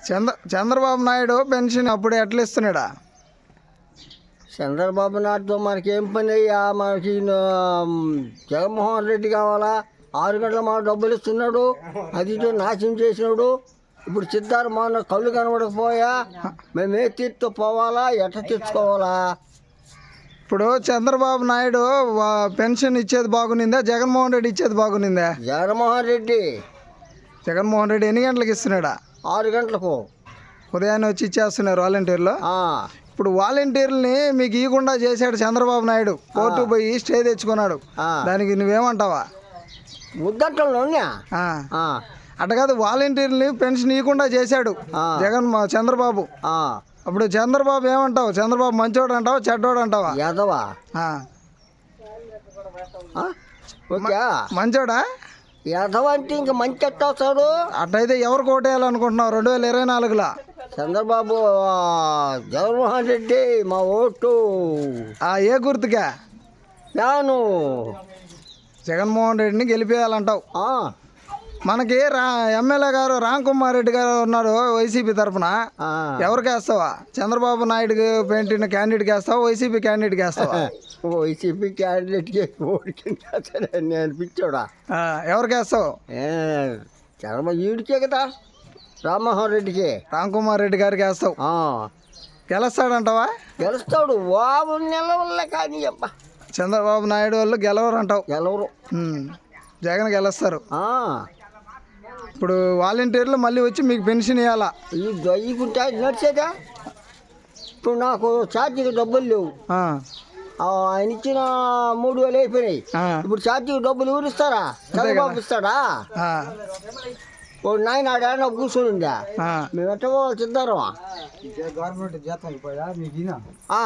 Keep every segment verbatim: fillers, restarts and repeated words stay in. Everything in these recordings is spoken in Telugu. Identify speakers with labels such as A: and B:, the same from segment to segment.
A: చంద్ర చంద్రబాబు నాయుడు పెన్షన్ అప్పుడు ఎట్లా ఇస్తున్నాడా?
B: చంద్రబాబు నాయుడుతో మనకేం పని అయ్యా? మనకి జగన్మోహన్ రెడ్డి కావాలా? ఆరు గంటల మా డబ్బులు ఇస్తున్నాడు, అది ఇటు నాశనం చేసినాడు. ఇప్పుడు సిద్ధార్థ మన కళ్ళు కనబడకపోయా, మేము ఏ తీర్తో పోవాలా, ఎట్ట తెచ్చుకోవాలా?
A: ఇప్పుడు చంద్రబాబు నాయుడు పెన్షన్ ఇచ్చేది బాగునిందా, జగన్మోహన్ రెడ్డి ఇచ్చేది బాగునిందా?
B: జగన్మోహన్ రెడ్డి.
A: జగన్మోహన్ రెడ్డి ఎన్ని గంటలకు ఇస్తున్నాడా?
B: ఆరు గంటలకు
A: ఉదయాన్నే వచ్చి ఇచ్చేస్తున్నారు వాలంటీర్లు. ఇప్పుడు వాలంటీర్లని మీకు ఇవ్వకుండా చేశాడు చంద్రబాబు నాయుడు, కోర్టు పోయి స్టే తెచ్చుకున్నాడు. దానికి నువ్వేమంటావా?
B: ముద్దంటలో
A: అట్ట కాదు, వాలంటీర్ని పెన్షన్ ఇవ్వకుండా చేశాడు జగన్ చంద్రబాబు. అప్పుడు చంద్రబాబు ఏమంటావు? చంద్రబాబు మంచోడు అంటావా, చెడ్డోడు అంటావా?
B: యాదవా
A: మంచోడా?
B: యాదవ అంటే ఇంకా మంచి ఎట్టా వస్తాడు.
A: అట్టయితే ఎవరు కోటేయాలనుకుంటున్నావు రెండు వేల ఇరవై నాలుగులో?
B: చంద్రబాబు. జగన్మోహన్ రెడ్డి మా ఓటు.
A: ఏ గుర్తుగా?
B: నాను
A: జగన్మోహన్ రెడ్డిని గెలిపేయాలంటావు. మనకి రా ఎమ్మెల్యే గారు రామ్ కుమార్ రెడ్డి గారు ఉన్నారు వైసీపీ తరఫున. ఎవరికి వేస్తావా? చంద్రబాబు నాయుడు పెట్టిన క్యాండిడేట్కి వేస్తావా, వైసీపీ క్యాండిడేట్కి వేస్తావా?
B: వైసీపీ క్యాండిడేట్కి ఓడికి అనిపించాడా?
A: ఎవరికి వేస్తావు?
B: చంద్రబాబు ఈడికే కదా, రామ్మోహన్ రెడ్డికి.
A: రామ్ కుమార్ రెడ్డి గారికి వేస్తావు. గెలుస్తాడంటావా?
B: గెలుస్తాడు. బాబు నిలవల్లే కానీ అబ్బా,
A: చంద్రబాబు నాయుడు వాళ్ళు గెలవరు అంటావు?
B: గెలవరు.
A: జగన్ గెలుస్తారు. ఇప్పుడు వాలంటీర్లు మళ్ళీ వచ్చి మీకు పెన్షన్ ఇవ్వాలా?
B: ఈ దొయ్యకుంటే నడిచేదా? ఇప్పుడు నాకు ఛార్జీకి డబ్బులు లేవు. ఆయన ఇచ్చిన మూడు వేలు అయిపోయినాయి. ఇప్పుడు ఛార్జీకి డబ్బులు ఎవరు ఇస్తారా? చంద్రబాబు ఇస్తాడా? నాయన ఆడ కూర్చొని ఉందా? మేము ఎట్ట పోవాలి సిద్ధారం? గవర్నమెంట్ జీతం.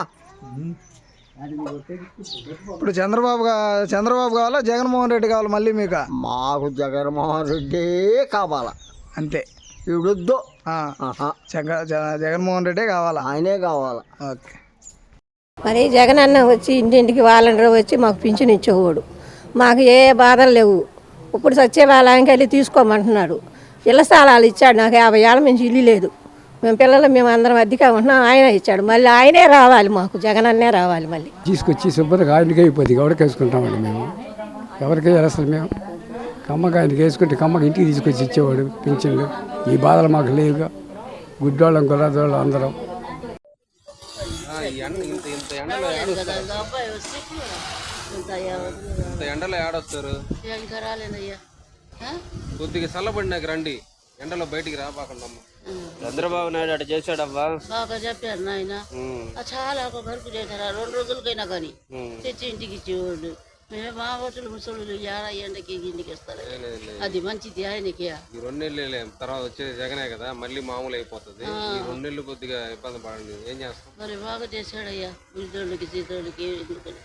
A: ఇప్పుడు చంద్రబాబు చంద్రబాబు కావాలా, జగన్మోహన్ రెడ్డి కావాలా మళ్ళీ మీకు?
B: మాకు జగన్మోహన్ రెడ్డి కావాలా
A: అంతే.
B: ఇవిడొద్దు.
A: జగన్మోహన్ రెడ్డే కావాలా?
B: ఆయనే కావాలా.
A: ఓకే.
C: మరి జగన్ అన్న వచ్చి ఇంటింటికి వాలంటీర్ వచ్చి మాకు పింఛన్ ఇచ్చేవాడు. మాకు ఏ బాధలు లేవు. ఇప్పుడు సచివాలయానికి వెళ్ళి తీసుకోమంటున్నాడు. ఇళ్ల స్థలాలు ఇచ్చాడు. నాకు యాభై ఏళ్ళ నుంచి ఇల్లు లేదు. మేము పిల్లలు మేము అందరం అద్దెగా ఉంటున్నాం. ఆయన ఇచ్చాడు. మళ్ళీ ఆయనే రావాలి, మాకు జగన్ అన్నే రావాలి. మళ్ళీ
D: తీసుకొచ్చి శుభ్రంగా ఆయనకి అయిపోద్ది. ఎవరికి వేసుకుంటామండి మేము? ఎవరికి అసలు మేము కమ్మకి ఆయనకి వేసుకుంటే కమ్మకి ఇంటికి తీసుకొచ్చి ఇచ్చేవాడు పింఛన్లు. ఈ బాధలు మాకు లేవుగా. గుడ్డోళ్ళం గుర్రాదోళ్ళం అందరం.
E: ఎండలో ఏడొస్తారు? కొద్దిగా చల్లబడినాక రండి, ఎండలో బయటికి రాబాకండి. చంద్రబాబు నాయుడు అటు చేశాడవ్వా,
F: బాగా చెప్పారు నాయన. చాలా ఒక గరుకు చేశారు. రెండు రోజులకైనా కానీ తెచ్చి ఇంటికి ఇచ్చేవాళ్ళు. మేము మా హోటల్ ముసలు ఏడా ఎండకి ఇంటికి ఇస్తారు. అది మంచిది ఆయనకి.
E: ఈ రెండు నెలలు తర్వాత వచ్చేది జగనే కదా, మళ్ళీ మామూలు అయిపోతుంది. ఈ రెండు నెలలు కొద్దిగా ఇబ్బంది పడండి. ఏం చేస్తాం?
F: మరి బాగా చేశాడయ్యా. బుద్ధోళ్ళకి సీతోళ్ళకి ఎందుకని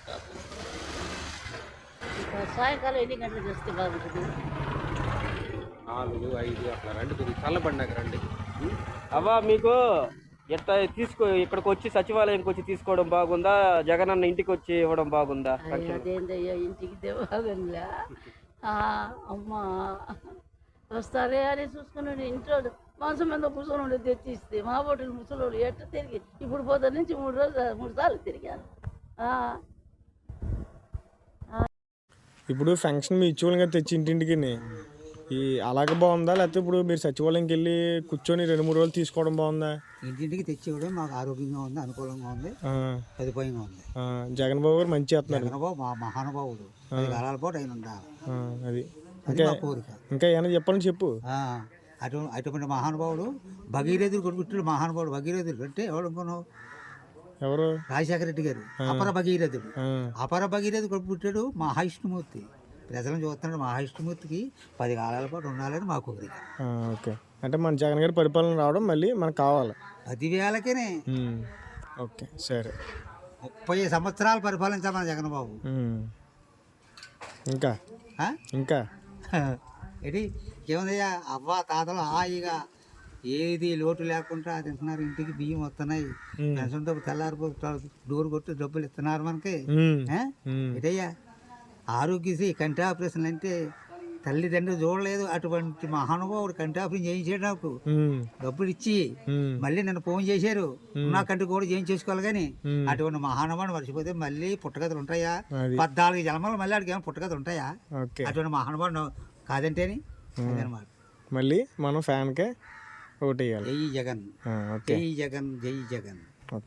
F: సాయంకాలం ఎన్ని గంటలకు వస్తే బాగుంటుంది?
E: నాలుగు ఐదు అట్లా రండి, కొద్దిగా చల్లబడినాక రండి. అవ్వా మీకు ఎట్లా తీసుకో, ఇక్కడికి వచ్చి సచివాలయంకి వచ్చి తీసుకోవడం బాగుందా, జగన్ అన్న ఇంటికి వచ్చి ఇవ్వడం బాగుందా?
F: అదేంటయ్యా, ఇంటికి బాగుందా? అమ్మా వస్తారే అని చూసుకున్నాడు. ఇంట్లో మాంసం మీద కూర్చొని తెచ్చిస్తే మా బొట్టులు ముసలోళ్ళు ఎట్ట తిరిగి ఇప్పుడు పోతా నుంచి మూడు రోజులు మూడు సార్లు తిరిగాను.
G: ఇప్పుడు ఫంక్షన్ మీ ఇచ్చేవాళ్ళగా తెచ్చి ఇంటింటికి ఈ అలాగే బాగుందా, లేకపోతే ఇప్పుడు మీరు సచివాలయంకి వెళ్ళి కూర్చొని రెండు మూడు రోజులు తీసుకోవడం బాగుందా?
H: ఇంటింటికి తెచ్చివ్వడం మాకు ఆరోగ్యంగా ఉంది, అనుకూలంగా ఉంది, సదుపాయంగా ఉంది.
G: జగన్ బాబు గారు మంచి చేస్తున్నారు.
H: జగన్ బాబు మా మహానుభావుడు. కాలాల పాటు ఆయన ఉండాలి.
G: అది ఇంకా ఇంకా ఏమైనా చెప్పాలని చెప్పు.
H: అటు అటువంటి మహానుభావుడు భగీరథుడు కొడుకుట్టాడు. మహానుభావుడు భగీరథుడు అంటే ఎవరు అనుకున్నావు?
G: ఎవరు?
H: రాజశేఖర రెడ్డి గారు అపర భగీరథుడు. అపర భగీరథుడు కొడుకు పుట్టాడు మహావిష్ణుమూర్తి. ప్రజలను చూస్తున్నాడు. మహావిష్ణుమూర్తికి పది కాలాల పాటు ఉండాలని మా కోరిక.
G: ఓకే, అంటే మన జగన్ గారి పరిపాలన రావడం మళ్ళీ మనకు కావాలి.
H: పదివేలకేనే.
G: ఓకే సరే.
H: ముప్పై సంవత్సరాలు పరిపాలించాలి మన జగన్ బాబు.
G: ఇంకా ఇంకా
H: ఏంటి ఏముందయ్యా, అవ్వ తాతలు హాయిగా ఏది లోటు లేకుండా తింటున్నారు. ఇంటికి బియ్యం వస్తున్నాయి. పెన్షన్ డబ్బు తెల్లారిపోతారు, డోర్ కొట్టి డబ్బులు ఇస్తున్నారు మనకి. ఏటయ్యా ఆరోగ్యశ్రీ కంటి ఆపరేషన్లు అంటే తల్లిదండ్రులు చూడలేదు అటువంటి మహానుభావుడు కంటి ఆపరేషన్ చేయించాడు నాకు
G: ఉమ్,
H: డబ్బులు ఇచ్చి
G: ఉమ్,
H: మళ్ళీ నన్ను ఫోన్ చేశారు నా కంటి కూడా చేయించేసుకోవాలి కానీ అటువంటి మహానుభావుడు మర్చిపోతే మళ్ళీ పుట్టగతులు ఉంటాయా?
G: అది.
H: పద్నాలుగు జన్మలు మళ్ళీ ఆడికి ఏమైనా పుట్టగతులు ఉంటాయా?
G: ఓకే.
H: అటువంటి మహానుభావుడు కాదంటేని అదనమాట.
G: మళ్ళీ మనం ఫ్యాన్కే ఓటు వేయాలి.
H: జై జగన్,
G: ఆ, ఓకే.
H: జై జగన్, జై జగన్.